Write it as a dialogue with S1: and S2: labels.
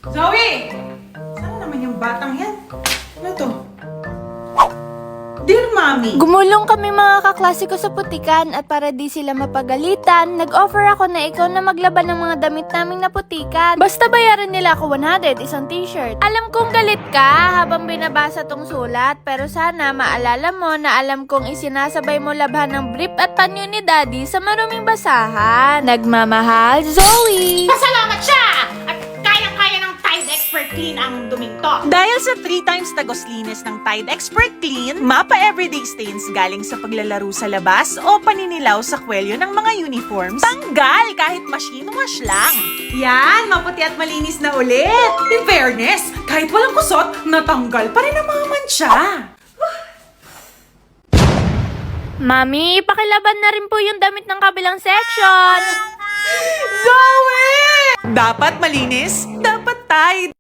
S1: Zoe! Saan naman yung batang yan? Ano to? Dear Mommy!
S2: Gumulong kami mga kaklase ko sa putikan at para di sila mapagalitan, nag-offer ako na ikaw na maglaban ng mga damit naming naputikan. Basta bayaran nila ako 100, isang t-shirt. Alam kong galit ka habang binabasa tong sulat, pero sana maalala mo na alam kong isinasabay mo labhan ng brief at panyo ni Daddy sa maruming basahan. Nagmamahal, Zoe!
S3: Pasalamat siya! At kayang-kaya ng Tide Expert Clean ang duming to.
S1: Dahil sa 3 times tagoslinis ng Tide Expert Clean, mapa everyday stains galing sa paglalaro sa labas o paninilaw sa kwelyo ng mga uniforms, tanggal kahit machine wash lang. Yan, maputi at malinis na ulit. In fairness, kahit walang kusot, natanggal pa rin ang mga mancha.
S2: Mami, pakilaban na rin po yung damit ng kabilang section.
S1: Zoe! Dapat malinis, dapat Tide.